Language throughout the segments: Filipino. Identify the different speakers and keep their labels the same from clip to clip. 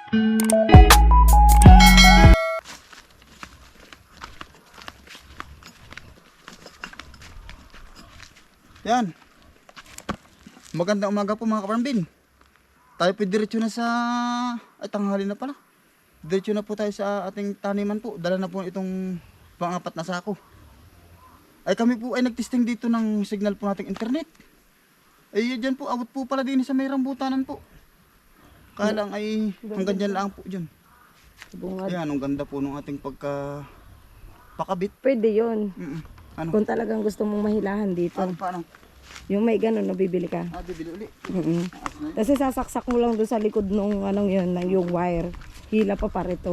Speaker 1: Yan. Magandang umaga po mga kaparambin. Tayo po diretso na sa... Ay, tanghali na pala. Diretso na po tayo sa ating taniman po. Dala na po itong pang-apat na sako. Ay kami po ay nagtesting dito ng signal po nating internet. Ay dyan po, abot po pala din sa may rambutanan po. Kaya lang ay hanggang dyan lang po dyan. Ayan, ang ganda po ng ating pakabit.
Speaker 2: Pwede yun.
Speaker 1: Ano?
Speaker 2: Kung talagang gusto mong mahilahan dito.
Speaker 1: Ano, paano?
Speaker 2: Yung may ganun, nabibili ka.
Speaker 1: Bibili uli.
Speaker 2: Kasi sasaksak mo lang doon sa likod nung anong yun, yung wire. Hila pa parito.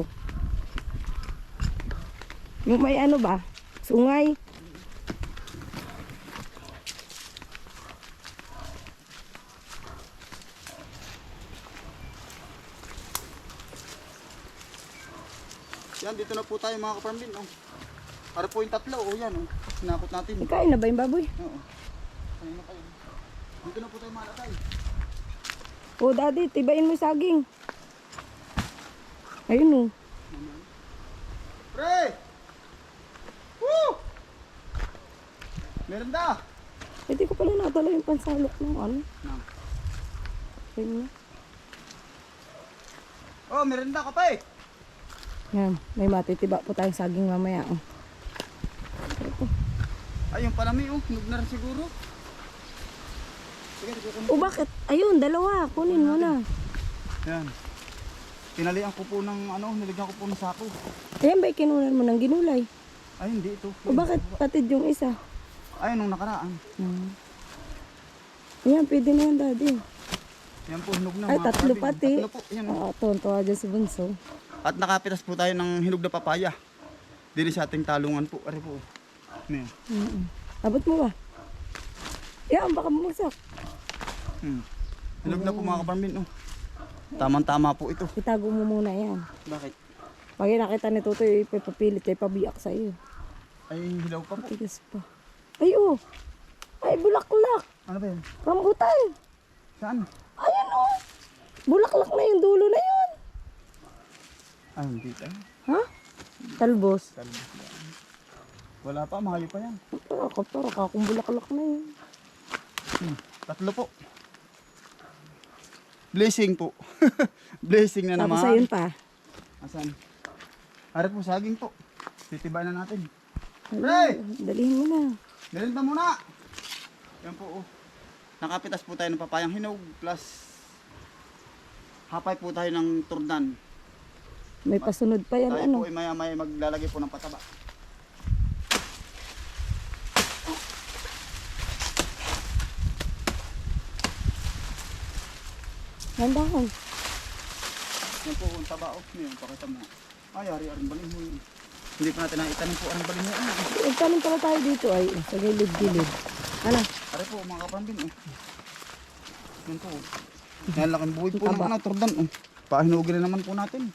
Speaker 2: Yung may ano ba? Sungay.
Speaker 1: Yan, dito na po tayo mga kaparambin. Oh. Para po yung tatlo. Oh, yan. Oh. Sinakot natin.
Speaker 2: Ikain na ba yung baboy?
Speaker 1: Oo. Ayun na kayo. Dito na po tayo malakay.
Speaker 2: Oh, daddy, tibain mo yung saging. Ayun oh.
Speaker 1: Pre! Woo! Merenda!
Speaker 2: Hindi ko pala natala yung pansalok ng ano. Ayun na.
Speaker 1: Oh, merenda ka pa eh!
Speaker 2: Yan, may matitiba po tayong saging mamaya. Oh.
Speaker 1: Ayun pala may oh, hinog na rin siguro. Sige, kukunin.
Speaker 2: Oh, bakit? Ayun, dalawa. Kunin mo na.
Speaker 1: Yan. Tinalian ko po ng ano, niligyan ko po ng sako.
Speaker 2: Ayan ba kinunan mo ng ginulay?
Speaker 1: Ay, hindi ito.
Speaker 2: O bakit patid yung isa?
Speaker 1: Ay, nung nakaraan.
Speaker 2: Ayan, pwede na yan, daddy.
Speaker 1: Yan po, hinog na.
Speaker 2: Ay,
Speaker 1: mga
Speaker 2: tatlo
Speaker 1: karabing.
Speaker 2: pati.
Speaker 1: Tatlo po, yan. Oh.
Speaker 2: Tuwan-tuwa dyan si Bunso.
Speaker 1: At nakapitas po tayo ng hinog na papaya. Dili sa ating talungan po. Ari po. Ano yan?
Speaker 2: Abot mo ba? Yan, baka bumagsak.
Speaker 1: Hinog na po mga kaparambin. Oh. Tamang-tama po ito.
Speaker 2: Itago mo muna yan.
Speaker 1: Bakit?
Speaker 2: Pag nakita ni Tutoy, ipapapilit, ipabiyak sa iyo.
Speaker 1: Ay, hilaw pa po.
Speaker 2: Tigas pa. Ay, oh. Ay, bulaklak.
Speaker 1: Ano ba yan?
Speaker 2: Rambutan.
Speaker 1: Saan?
Speaker 2: Ayan, oh. Bulaklak na yung dulo na yun.
Speaker 1: Ay, hindi tayo.
Speaker 2: Ha? Talbos.
Speaker 1: Wala pa, mahali pa yan.
Speaker 2: Para kakong bulaklak na yun.
Speaker 1: Tatlo po. Blessing po. Blessing na
Speaker 2: Tapos
Speaker 1: naman.
Speaker 2: ayun pa.
Speaker 1: Asan? Harap po, saging po. Titibayan na natin.
Speaker 2: Ay, dalihin mo na.
Speaker 1: Melinda muna. Yan po, oh. Nakapitas po tayo ng papayang hinog plus hapay po tayo ng turdan.
Speaker 2: May pasunod pa yan,
Speaker 1: Tayo
Speaker 2: ano?
Speaker 1: po ay maya-maya maglalagay po ng pataba.
Speaker 2: Nandahan.
Speaker 1: Yan po, ang taba, oh. Yan, pakita mo. Ay, ari-aring baling mo. Hindi pa natin nakitanin po ang baling mo.
Speaker 2: Itanim pala tayo dito ay sa gilid-gilid. Ano?
Speaker 1: Ari po, mga kapambin, oh. Yan po, oh. Yan, laking buhay po ng
Speaker 2: Taba.
Speaker 1: ano, turdan, oh. Pahinugin na naman po natin.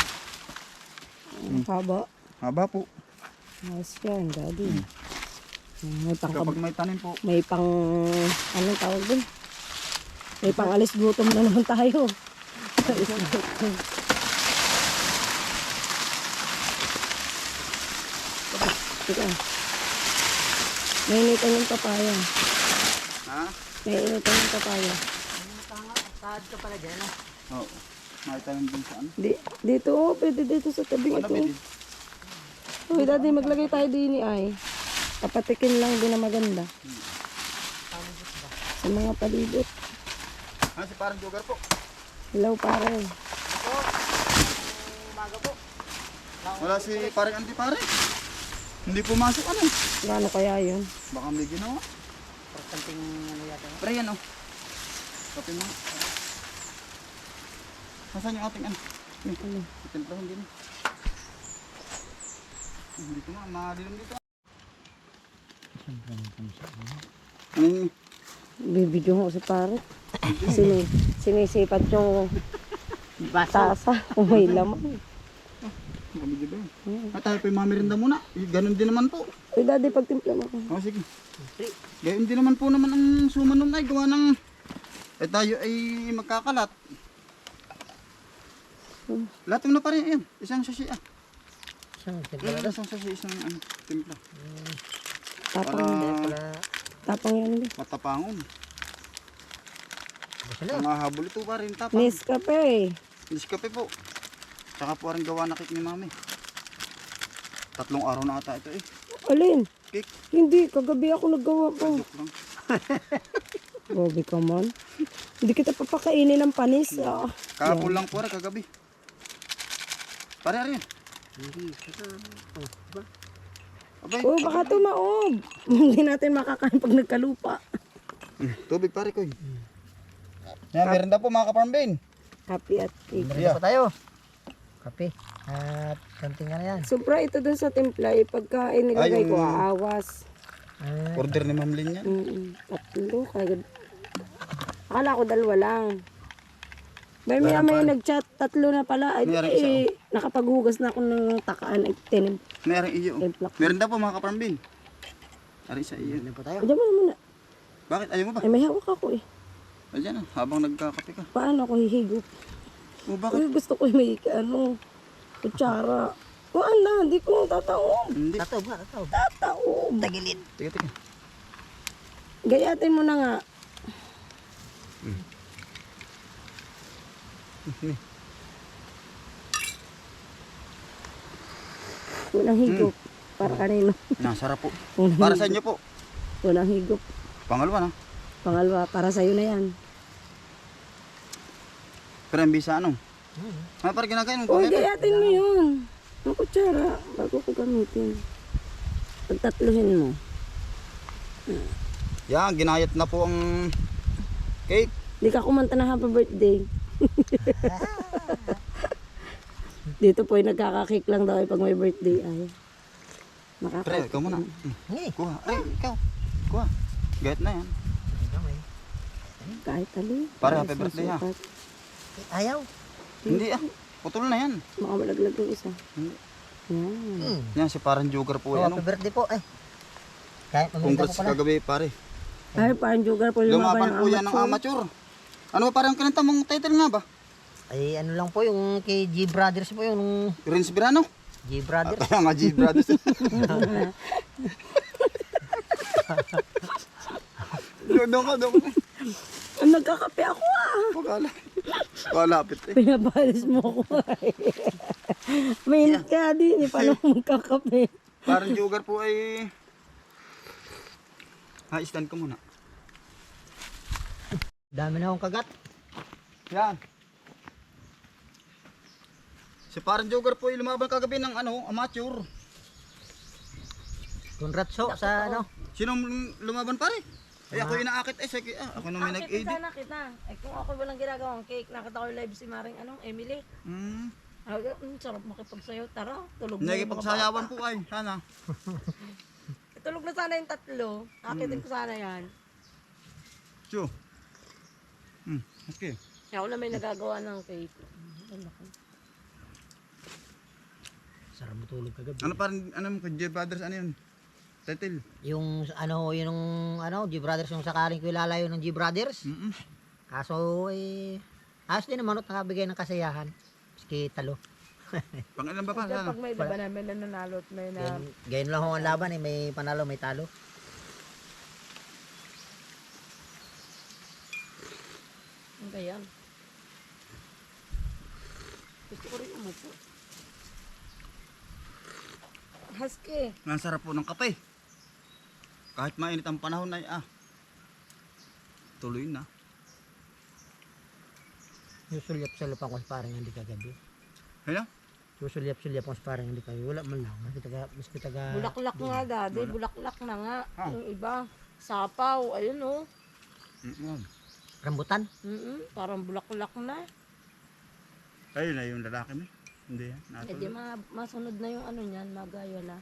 Speaker 2: Haba.
Speaker 1: Haba po.
Speaker 2: Nice yan, daddy. May pang,
Speaker 1: Kapag may tanim po,
Speaker 2: may pang, anong tawag dun? May pang alis gutom na naman tayo. Alis gutom. Teka. Nainitan yung papaya.
Speaker 1: ha?
Speaker 2: Nainitan yung papaya.
Speaker 1: Oo. May tanim din sa ano.
Speaker 2: Dito, oh, pwede dito sa tabi
Speaker 1: Ano
Speaker 2: ito.
Speaker 1: pwede?
Speaker 2: Uy, daddy, maglagay tayo din ay. Kapatikin lang din na maganda. Sa mga palibot.
Speaker 1: Ano si parang jogar po?
Speaker 2: Hello, pare.
Speaker 1: Wala si parang anti-pare. Hindi pumasok ano.
Speaker 2: Gaano kaya yun?
Speaker 1: Baka may ginawa.
Speaker 3: Something ano yata.
Speaker 1: Pre yan oh. Kape mo. Nasaan yung ating ano? Timplahan din. Dito nga, madilim dito. Ano yun?
Speaker 2: Bibidyo ko si pare. Sinisipat yung tasa kung may laman.
Speaker 1: Kamigyo ba yun? At tayo pa yung mamirinda muna. Ganon din naman po.
Speaker 2: Uy, daddy, pagtimpla mo ko.
Speaker 1: O sige. Gayon din naman po naman ang sumanon ay gawa ng... Eh tayo ay magkakalat. Lahat mo na pa rin yan. Isang sachet ah.
Speaker 3: Isang tempura.
Speaker 1: Isang sachet, isang timpla.
Speaker 2: Tapang,
Speaker 3: Pala,
Speaker 2: tapang yan din.
Speaker 1: Matapangon.
Speaker 3: basta na.
Speaker 1: Ang mahabol ito pa rin tapang.
Speaker 2: Nescafe.
Speaker 1: Nescafe po. Saka po rin gawa na cake ni mami. 3 araw na ata ito eh.
Speaker 2: Alin?
Speaker 1: Cake.
Speaker 2: Hindi, kagabi ako naggawa ko.
Speaker 1: Joke lang.
Speaker 2: Gobi ka man. Hindi kita papakainin ng panis. Ah.
Speaker 1: Kahapon lang po rin kagabi. Pare rin.
Speaker 3: Hindi. Oh, diba?
Speaker 1: Abay.
Speaker 2: Oh, baka tumaob. Hindi natin makakain pag nagkalupa.
Speaker 1: Tubig pare ko. Yan, meron na po mga ka-farm bin.
Speaker 2: Happy at cake.
Speaker 3: Meron pa tayo. Kape. At something na yan.
Speaker 2: Sobra ito dun sa timpla. Eh, pagkain nilagay
Speaker 1: Ay,
Speaker 2: ko,
Speaker 1: yung-
Speaker 2: aawas.
Speaker 1: Order ni Ma'am Lynn yan.
Speaker 2: Tatlo. Akala ko 2 lang. May nag-chat, 3 na pala. Ay,
Speaker 1: Mayroon isa,
Speaker 2: nakapaghugas na ako ng takaan. Ay,
Speaker 1: Meron iyo.
Speaker 2: Timpla.
Speaker 1: Meron na po mga ka-farm bin. Ari sa iyo.
Speaker 3: Meron pa tayo.
Speaker 2: Diyan mo naman na.
Speaker 1: Bakit? Ayaw mo ba?
Speaker 2: Ay, may hawak ako eh.
Speaker 1: Ayan ah, habang nagkakape ka.
Speaker 2: Paano ako hihigop?
Speaker 1: O bakit?
Speaker 2: Uy, gusto ko may kutsara. Kuhaan na, hindi ko tataob.
Speaker 1: Hindi.
Speaker 3: Tataob nga, tataob.
Speaker 2: Tataob.
Speaker 3: Tagilid.
Speaker 1: Tiga.
Speaker 2: Gayatin mo na nga. Unang higop. Para kanino?
Speaker 1: Nasarap po.
Speaker 2: Unang
Speaker 1: Para sa inyo po.
Speaker 2: Unang higop.
Speaker 1: Pangalawa na.
Speaker 2: Pangalawa, para sa'yo na yan.
Speaker 1: Pero ang bisa ano? Parang ginagayin mo po.
Speaker 2: Uy, gayatin mo yun. Ang kutsara, bago ko gamitin. Pagtatluhin mo.
Speaker 1: Yan, ginayat na po ang cake.
Speaker 2: Hindi ka kumanta na happy birthday. Dito po ay nagkakakake lang daw ay pag may birthday ay.
Speaker 1: Pre, ikaw muna.
Speaker 3: Hindi.
Speaker 1: Kuha. Ay, ikaw. Kuha. Gayat na yan.
Speaker 2: Kahit ali.
Speaker 1: Para happy birthday, ha?
Speaker 3: Ayaw.
Speaker 1: Hindi ah. Putol na yan.
Speaker 2: Makamalaglag yung isa.
Speaker 1: Hindi.
Speaker 2: Yan.
Speaker 1: Yan, si parang joker po
Speaker 3: Oh,
Speaker 1: yan.
Speaker 3: happy birthday po. Ay. Kahit paminta po
Speaker 1: Congrats
Speaker 3: pala.
Speaker 1: kagabi pare.
Speaker 2: Ay, parang joker po lumaban
Speaker 1: Lumaban
Speaker 2: ng
Speaker 1: po yan ng amateur. Ano ba parang kinanta mong title nga ba?
Speaker 3: Ay, ano lang po yung kay G Brothers po yung
Speaker 1: Renz Birano?
Speaker 3: G Brothers.
Speaker 1: Kaya nga G Brothers. Doon ka.
Speaker 2: Ang nagkakape ako ah.
Speaker 1: Pagkala. Kalapit eh.
Speaker 2: Pinabalis mo ako ay. Mainit kaya din eh. Paano mo magkakape?
Speaker 1: Parang joker po ay... Ha, stand ko muna.
Speaker 3: Dami na akong kagat.
Speaker 1: Yan. Si parang joker po ay lumaban kagabi ng amateur.
Speaker 3: Congrats ho sa ano.
Speaker 1: Sinong lumaban pare? Ay ako inaakit eh. Sige, ako nung may nag-edit.
Speaker 2: Kita. Eh kung ako walang ginagawang cake, nakita ko live si Maring Emily. Sarap makipagsayaw. Tara, tulog na yung mga
Speaker 1: Nagipagsayawan po ay. Sana.
Speaker 2: bata. Tulog na sana yung 3. Akitin ko sana yan.
Speaker 1: So. Okay.
Speaker 2: Ako na may nagagawa ng cake.
Speaker 3: Sarap matulog kagabi.
Speaker 1: Ano parang, mo kay J Brothers, ano yun? Title.
Speaker 3: Yung G Brothers yung sakaling ko ilalayo ng G Brothers. Kaso ayos din naman at nakabigay ng kasiyahan. Maski talo.
Speaker 1: Pang ilan ba pa?
Speaker 2: Kaya
Speaker 1: Sana.
Speaker 2: pag may laban namin na nanalo at may na...
Speaker 3: Ganyan lang ho ang laban eh. May panalo, may talo.
Speaker 2: Ang ganyan. Gusto ko rin umupo. Husky.
Speaker 1: Ang sarap po ng kape. Kahit mainit ang panahon ay tuloy na.
Speaker 3: Susulyap-sulyap ako sa parang hindi kagabi.
Speaker 1: Kaya?
Speaker 3: Susulyap-sulyap ako sa parang hindi kagabi. Wala man lang. Maski taga...
Speaker 2: Bulaklak nga daddy. Bulaklak na nga.
Speaker 1: Ah.
Speaker 2: Yung iba. Sapaw. Ayun oh.
Speaker 3: Rambutan.
Speaker 2: Parang bulaklak na.
Speaker 1: Ayun na yung lalaki mo. Hindi yan.
Speaker 2: Eh di masunod na yung ano niyan. Magayo na.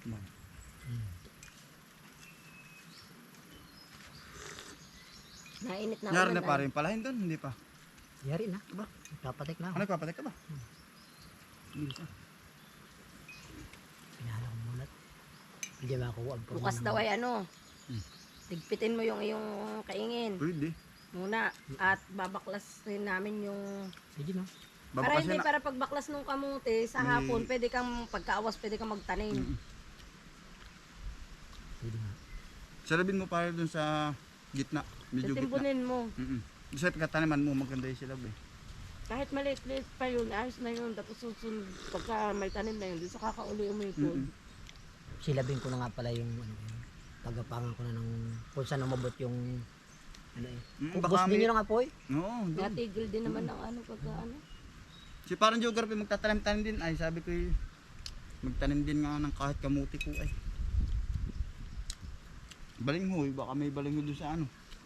Speaker 2: Nainit na
Speaker 1: Nyari
Speaker 2: ulan,
Speaker 1: na pare yung palahin doon. Hindi pa.
Speaker 3: Yari na.
Speaker 1: Diba?
Speaker 3: Kapatik na ako.
Speaker 1: Ano nagpapatek ka ba? Hindi pa.
Speaker 3: Pinala ko mulat. Hindi ba ako
Speaker 2: Bukas daw ay ano. Tigpitin mo yung iyong kaingin
Speaker 1: Pwede.
Speaker 2: muna at babaklas rin namin yung
Speaker 3: Pwede no?
Speaker 2: Para
Speaker 1: Babakasin
Speaker 2: hindi,
Speaker 1: na.
Speaker 2: para pagbaklas ng kamote sa hapon, pwede kang pagkaawas, pwede kang magtanim.
Speaker 3: Pwede nga.
Speaker 1: Sarabin mo para dun sa gitna. Medyo gitna.
Speaker 2: Titimpunin mo.
Speaker 1: Doon sa pagkataniman mo, maganda yung silab eh.
Speaker 2: Kahit maliit-liit pa yun, ayos na yun. Tapos susunod, pagka may tanim na yun, di sa kakauli umipod.
Speaker 3: Silabin ko na nga pala yung ano, tagapangan ko na ng kung saan umabot yung ano eh.
Speaker 1: Baka
Speaker 3: Ubos din yun nga po eh.
Speaker 1: Oo, doon.
Speaker 2: Natigil din naman ng ano pagka ano.
Speaker 1: Si parang geography magtatanim-tanim din. Ay, sabi ko magtanim din nga ng kahit kamuti ko ay. Balinghoy, baka may balinghoy doon sa ano.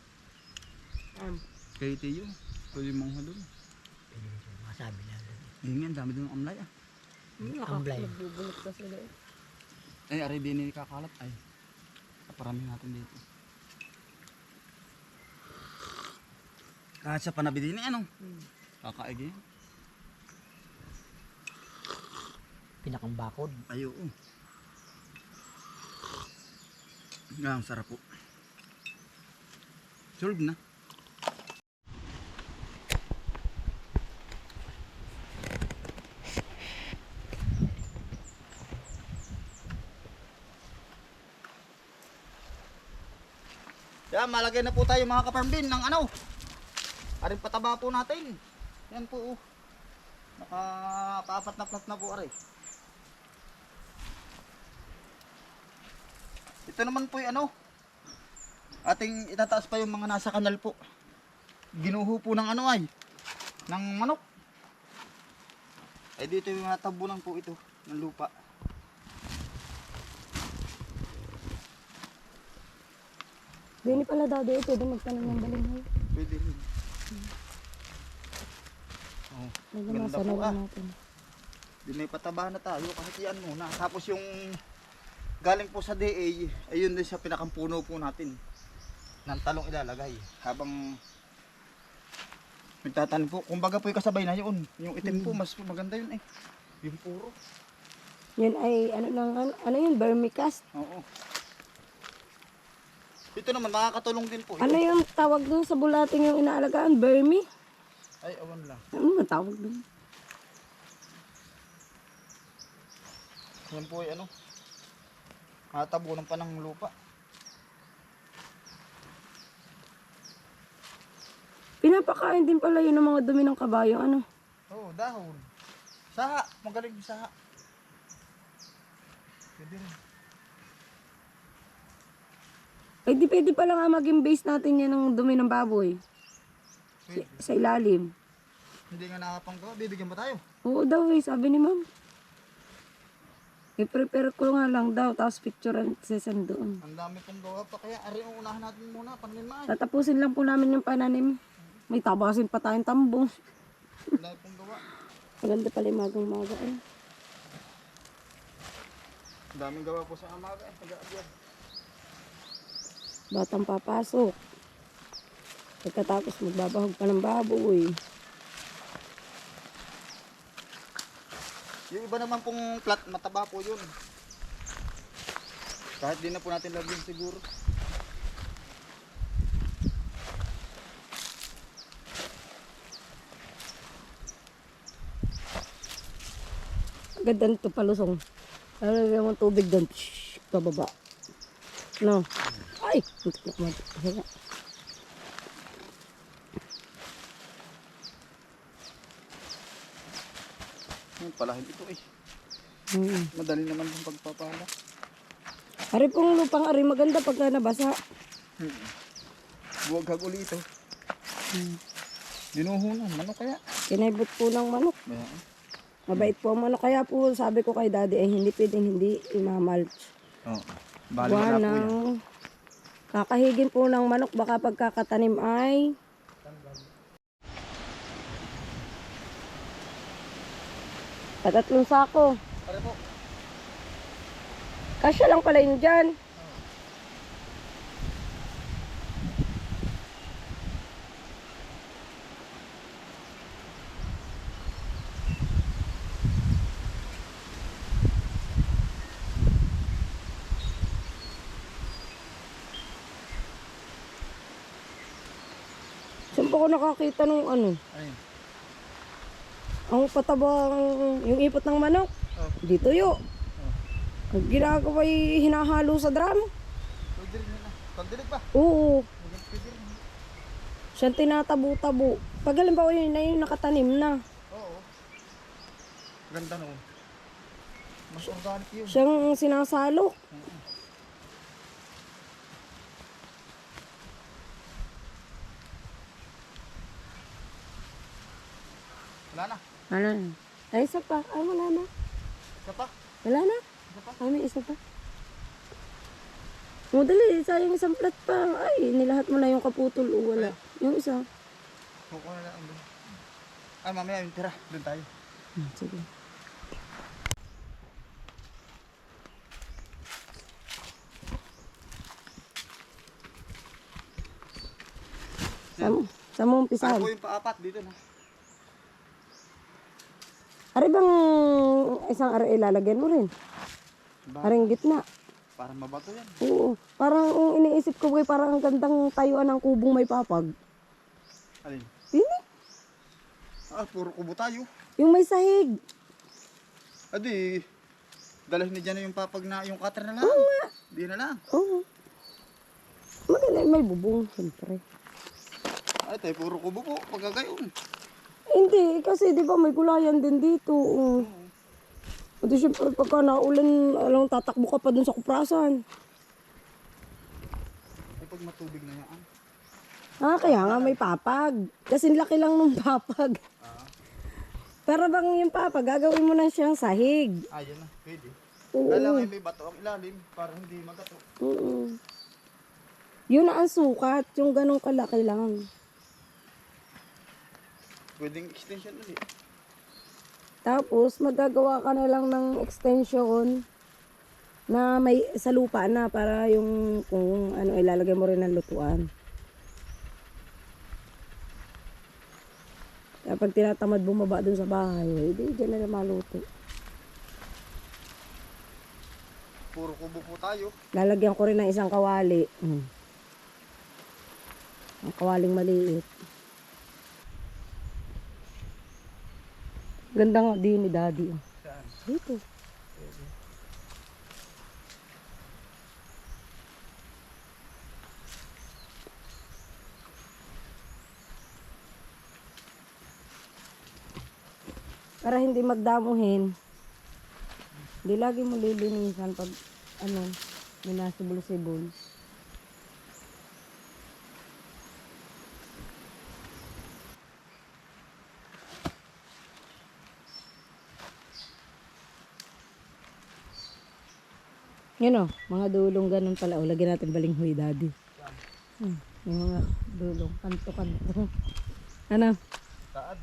Speaker 1: Kay Tiyo. Pwede mong doon.
Speaker 3: Pwede rin siya masabi lang.
Speaker 1: Yun nga, ang dami doon ng amlay ah.
Speaker 3: Amblay.
Speaker 2: Nagbubulot ka sila eh.
Speaker 1: Ay, ari din ni kakalat ay. Parami natin dito. Kahit sa panabi din eh, ano? Kakaigi.
Speaker 3: Pinakang bakod.
Speaker 1: Ay, oo. Ang sarap po. Solve na. Yan, malagay na po tayo mga kaparmbin ng ano. Aring pataba po natin. Yan po. Oh. Nakapaapat na plat na po aray. Ito naman po yung ano. Ating itataas pa yung mga nasa kanal po. Ginuho po ng ano ay. Ng manok. Ay dito yung natabunan po ito ng lupa.
Speaker 2: Bini pala daw dito, pwede magtanong ng balinghoy.
Speaker 1: Pwede rin. Oh,
Speaker 2: Medyo
Speaker 1: ganda
Speaker 2: masanaw
Speaker 1: po ah.
Speaker 2: natin.
Speaker 1: Di may pataba na tayo kahit yan muna. Tapos yung galing po sa DA, ayun din sa pinakampuno po natin. Ng talong ilalagay. Habang magtatanim po. Kumbaga po yung kasabay na yun. Yung itim po, mas maganda yun eh. Yung puro.
Speaker 2: Yan ay ano yun, vermicast.
Speaker 1: Oo. Ito naman, makakatulong din po.
Speaker 2: Ano yung tawag dun sa bulating yung inaalagaan? Vermi?
Speaker 1: Ay, awan lang.
Speaker 2: Ano ba tawag dun?
Speaker 1: Yan po ay ano. Nakatabunan pa ng lupa.
Speaker 2: Pinapakain din pala yun ng mga dumi ng kabayo, ano?
Speaker 1: Oo, dahon. Saha, magaling yung saha. Pwede rin.
Speaker 2: Ay di pwede pala nga maging base natin yan ng dumi ng baboy.
Speaker 1: Pwede.
Speaker 2: Sa ilalim.
Speaker 1: Hindi nga nakapanggawa, bibigyan ba tayo?
Speaker 2: Oo daw eh, sabi ni ma'am. I-prepare ko nga lang daw, tapos picture and session doon.
Speaker 1: Ang dami pong gawa pa, kaya ari ang unahan natin muna, pangnimaan.
Speaker 2: Tatapusin lang po namin yung pananim. May tabasin pa tayong tambong.
Speaker 1: Ang dami pong gawa.
Speaker 2: Maganda pala yung magang-maga eh.
Speaker 1: Ang daming gawa po sa amaga, taga-agyad.
Speaker 2: Batang papasok. Pagkatapos magbabahog pa ng baboy.
Speaker 1: Yung iba naman pong plat, mataba po yun. Kahit di na po natin lagyan siguro.
Speaker 2: Ganda nito palusong. Lalagyan mo ng tubig doon. Shhh, pababa. No. Ay!
Speaker 1: Yung palahin ito eh.
Speaker 2: Hmm.
Speaker 1: Madali naman yung pagpapala.
Speaker 2: Ari pong lupang ari maganda pagka nabasa.
Speaker 1: Buwag uli ito. Dinuho na, ano kaya?
Speaker 2: Kinaibot po ng manok.
Speaker 1: Bayan.
Speaker 2: Mabait po ang manok. Kaya po sabi ko kay daddy ay hindi pwedeng hindi imamulch.
Speaker 1: Oo. Bali wala po yan.
Speaker 2: ng kakahigin po ng manok baka pagkakatanim ay patatlong sako.
Speaker 1: Pare po.
Speaker 2: Kasya lang pala yun dyan. Saan po ko nakakita nung ano?
Speaker 1: Ayun.
Speaker 2: Ang patabang, yung ipot ng manok,
Speaker 1: Oh.
Speaker 2: di tuyo. Ang ginagawa ay hinahalo sa drum.
Speaker 1: Pwede rin na. Pandilig pa.
Speaker 2: Oo.
Speaker 1: Pwede rin.
Speaker 2: Siyang tinatabo-tabo. Pag halimbawa yun na yung nakatanim na.
Speaker 1: Oo. Ganda noon. Mas organic yun.
Speaker 2: Siyang sinasalo.
Speaker 1: Wala na.
Speaker 2: Ano na? Ay, isa pa. Ay, wala na.
Speaker 1: Isa pa.
Speaker 2: Wala na.
Speaker 1: Isa pa.
Speaker 2: Ay, may isa pa. O, dali. Sayang isang plat pa. Ay, nilahat mo na yung kaputol. O, wala. Yung isa.
Speaker 1: Kukuha na lang doon. Ay, mamaya yung tira. Doon tayo.
Speaker 2: Sige. Saan mo
Speaker 1: Saan
Speaker 2: umpisahan?
Speaker 1: po yung paapat dito na?
Speaker 2: Ari bang isang ari ilalagyan mo rin? Aring gitna.
Speaker 1: Para mabato yan.
Speaker 2: Oo. Parang ang iniisip ko parang ang gandang tayuan ng kubong may papag.
Speaker 1: Alin?
Speaker 2: Hindi.
Speaker 1: Ah, puro kubo tayo.
Speaker 2: Yung may sahig.
Speaker 1: Adi, dalhin ni dyan yung papag na, yung cutter na lang.
Speaker 2: Oo nga.
Speaker 1: Di na lang.
Speaker 2: Oo. Maganda may bubong, siyempre.
Speaker 1: Ay, tayo puro kubo po. Pagkagayon.
Speaker 2: Hindi, kasi di ba may gulayan din dito. At siyempre pagka naulan, alam, tatakbo ka pa dun sa kuprasan.
Speaker 1: Ay, pag matubig na yan.
Speaker 2: Ah, kaya nga may papag. Kasi laki lang ng papag. Para bang yung papag, gagawin mo na siyang sahig.
Speaker 1: Ah, yan na. Pwede.
Speaker 2: Oo.
Speaker 1: Kailangan may bato ang ilalim para hindi magato.
Speaker 2: Oo. Yun na ang sukat, yung ganong kalaki lang.
Speaker 1: Pwedeng extension ulit.
Speaker 2: Tapos, magagawa ka na lang ng extension na may sa lupa na para yung kung ano ilalagay mo rin ng lutuan. Kapag tinatamad bumaba dun sa bahay, hindi dyan na maluto.
Speaker 1: Puro kubo po tayo.
Speaker 2: Lalagyan ko rin ng isang kawali. Ang kawaling maliit. Ganda nga din ni Daddy.
Speaker 1: Saan?
Speaker 2: Dito. Para hindi magdamuhin. Hindi lagi mo lilinisan pag ano, minasibol-sibol. Yun o, mga dulong ganun pala. O, lagyan natin balinghoy, Daddy. Yung mga dulong, kanto-kanto. Ano?
Speaker 1: Taad.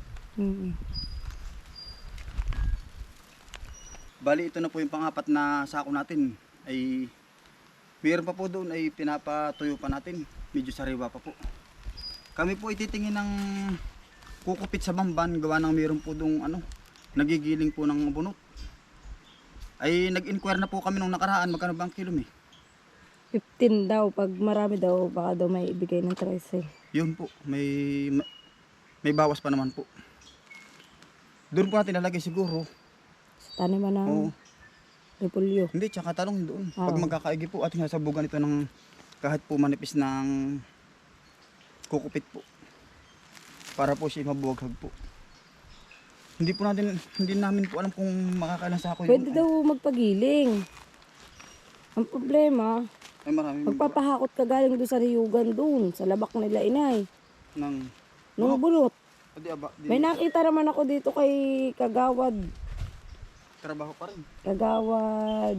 Speaker 1: Bali, ito na po yung pangapat na sako natin. Ay, mayroon pa po doon ay pinapatuyo pa natin. Medyo sariwa pa po. Kami po ititingin ng kukupit sa bamban. Gawa ng mayroon po doon ano, nagigiling po ng bunot. Ay, nag-inquire na po kami nung nakaraan. Magkano ba ang kilo eh?
Speaker 2: 15 daw. Pag marami daw, baka daw may ibigay ng 13.
Speaker 1: Yun po, may bawas pa naman po. Doon po natin nalagay siguro.
Speaker 2: Taniman ng
Speaker 1: Oo.
Speaker 2: repulyo.
Speaker 1: Hindi, tsaka talong doon.
Speaker 2: Oo.
Speaker 1: Pag magkakaigi po, ating sasabugan ito ng kahit po manipis ng kukupit po. Para po siya mabuwaghag po. Hindi namin po alam kung makakailan sa ako
Speaker 2: Pwede daw magpagiling. Ang problema,
Speaker 1: Ay, marami
Speaker 2: magpapahakot ka galing doon sa riyugan doon, sa labak nila inay.
Speaker 1: ng
Speaker 2: Nung bulot.
Speaker 1: Di,
Speaker 2: May nakita naman ako dito kay Kagawad.
Speaker 1: trabaho pa rin.
Speaker 2: Kagawad.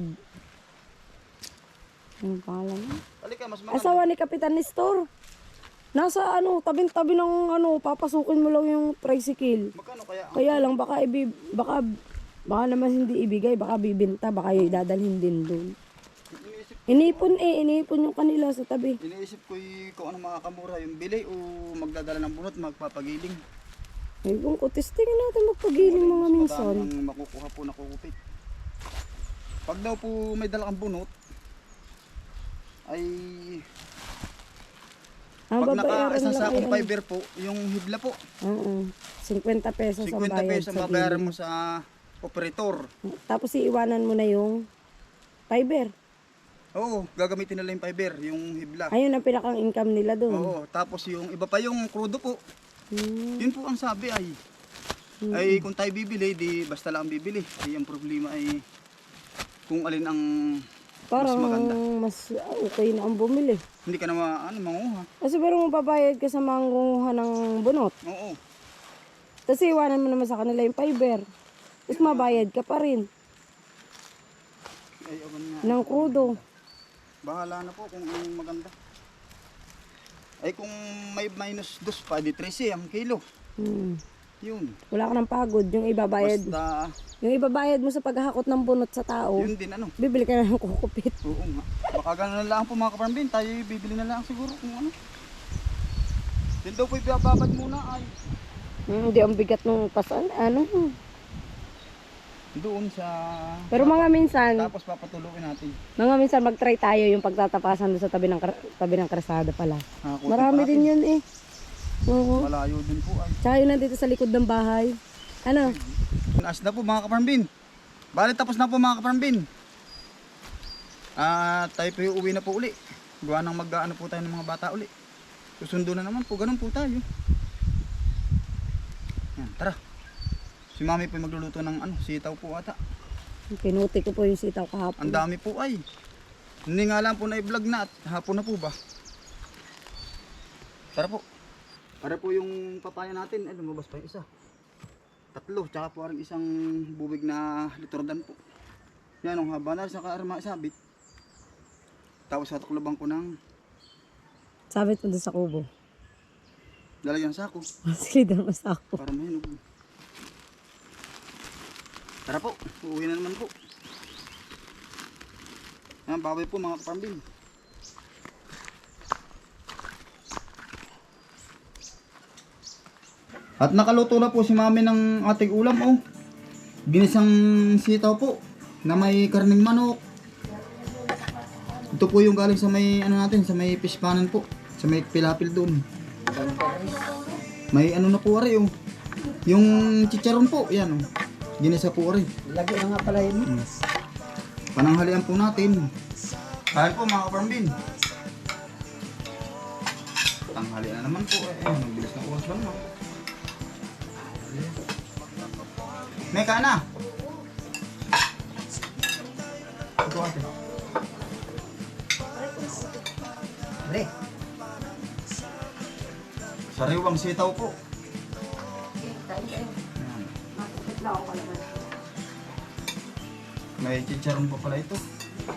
Speaker 2: Ano pangalan niya?
Speaker 1: Halika, mas maganda.
Speaker 2: Asawa ni Kapitan Nestor. Nasa ano, tabing-tabi ng ano, papasukin mo lang yung tricycle.
Speaker 1: Magkano kaya?
Speaker 2: Kaya lang baka naman hindi ibigay, baka bibenta, baka idadalhin din doon. Inipon yung kanila sa tabi.
Speaker 1: Iniisip ko kung ano makakamura, yung bili o magdadala ng bunot, magpapagiling.
Speaker 2: Eh, kung testingin natin magpagiling mga minsan.
Speaker 1: Madami ang makukuha po na kukupit. Pag daw po may dala kang bunot, ay
Speaker 2: Ang
Speaker 1: Pag naka
Speaker 2: babayaran
Speaker 1: isang
Speaker 2: lang
Speaker 1: sakong
Speaker 2: ay
Speaker 1: fiber po, yung hibla po,
Speaker 2: Oo. 50 pesos ang
Speaker 1: 50
Speaker 2: bayad
Speaker 1: pesos ang
Speaker 2: sa
Speaker 1: babayaran
Speaker 2: gilid.
Speaker 1: mo sa operator.
Speaker 2: Tapos iiwanan mo na yung fiber.
Speaker 1: Oo, gagamitin nila yung fiber, yung hibla.
Speaker 2: Ayun ang pinakang income nila doon.
Speaker 1: Oo, tapos yung iba pa yung crudo po.
Speaker 2: Hmm.
Speaker 1: Yun po ang sabi ay kung tayo bibili, di basta lang bibili. Ay ang problema ay kung alin ang
Speaker 2: Parang
Speaker 1: mas maganda.
Speaker 2: mas okay na ang bumili.
Speaker 1: Hindi ka na manguha.
Speaker 2: Kasi pero mababayad ka sa mangunguha ng bunot.
Speaker 1: Oo.
Speaker 2: Tapos iwanan mo naman sa kanila yung fiber. Tapos mabayad ka pa rin
Speaker 1: Ay, awan nga.
Speaker 2: ng krudo.
Speaker 1: Bahala na po kung anong maganda. Ay kung may minus 2 pa, di 13 ang kilo.
Speaker 2: Hmm.
Speaker 1: Yun.
Speaker 2: Wala ka ng pagod. Yung ibabayad.
Speaker 1: Basta,
Speaker 2: Yung ibabayad mo sa paghahakot ng bunot sa tao,
Speaker 1: yun din ano.
Speaker 2: bibili ka na ng kukupit.
Speaker 1: Oo nga. Baka gano'n na lang po mga kaparambin. Tayo bibili na lang siguro kung ano. Yun daw po ibababad muna ay
Speaker 2: Hindi ang bigat ng pasan. Ano?
Speaker 1: doon sa...
Speaker 2: Pero mga minsan,
Speaker 1: Tapos papatuloy natin.
Speaker 2: mag-try tayo yung pagtatapasan doon sa tabi ng kalsada pala.
Speaker 1: Nakakuti
Speaker 2: Marami
Speaker 1: pa
Speaker 2: din
Speaker 1: natin.
Speaker 2: yun eh. Oo.
Speaker 1: Malayo din po ay.
Speaker 2: Tsaka yun nandito sa likod ng bahay. Ano?
Speaker 1: Naas na po mga kaparambin. Bali tapos na po mga kaparambin. Tayo po uwi na po uli. Gawa nang mag-ano po tayo ng mga bata uli. Susundo na naman po. Ganun po tayo. Yan, tara. Si mami po magluluto ng sitaw po ata.
Speaker 2: Pinuti ko po yung sitaw kahapon.
Speaker 1: Ang dami po ay. Hindi nga lang po na i-vlog na at hapon na po ba. Tara po. Para po yung papaya natin. Ay lumabas pa yung isa. 3. Tsaka po rin isang bubig na litordan po. Yan ang haba na sa kaarma isabit. Tapos hatuklabang ko ng
Speaker 2: Sabit mo doon sa kubo.
Speaker 1: lalagyan sa sako.
Speaker 2: Sige doon sa ako.
Speaker 1: Para mahinog. Tara po. Uuwi na naman po. Yan, baboy po mga kapambing. At nakaluto na po si mami ng ating ulam oh. Ginisang sitaw po na may karning manok. Ito po yung galing sa may natin, sa may fish panan po, sa may pilapil doon. May na po ari oh. Yung chicharon po, yan oh. Ginisa po ari.
Speaker 3: Lagi na nga pala yun.
Speaker 1: Pananghalian po natin. Kain po mga kaparambin. Tanghalian na naman po eh. Nagbilis na oras ba naman. May ka na. Ito ate.
Speaker 3: Pre,
Speaker 1: Sariwang sitaw po. May chicharon pa pala ito.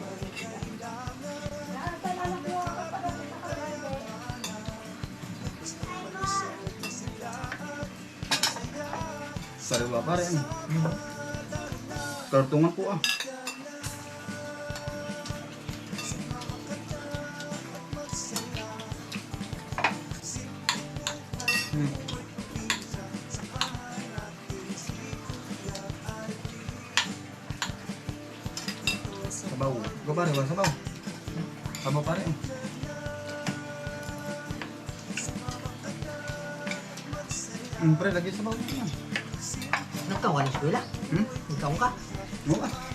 Speaker 1: Sariwa pa rin. Kartungan po ah. Sabaw. Gabari ba? Sabaw. Sabaw pa rin. Pre, lagi sabaw yan.
Speaker 3: nagkaw ka ng eskwela?
Speaker 1: Hmm?
Speaker 3: Nagkaw ka?
Speaker 1: Oo ah.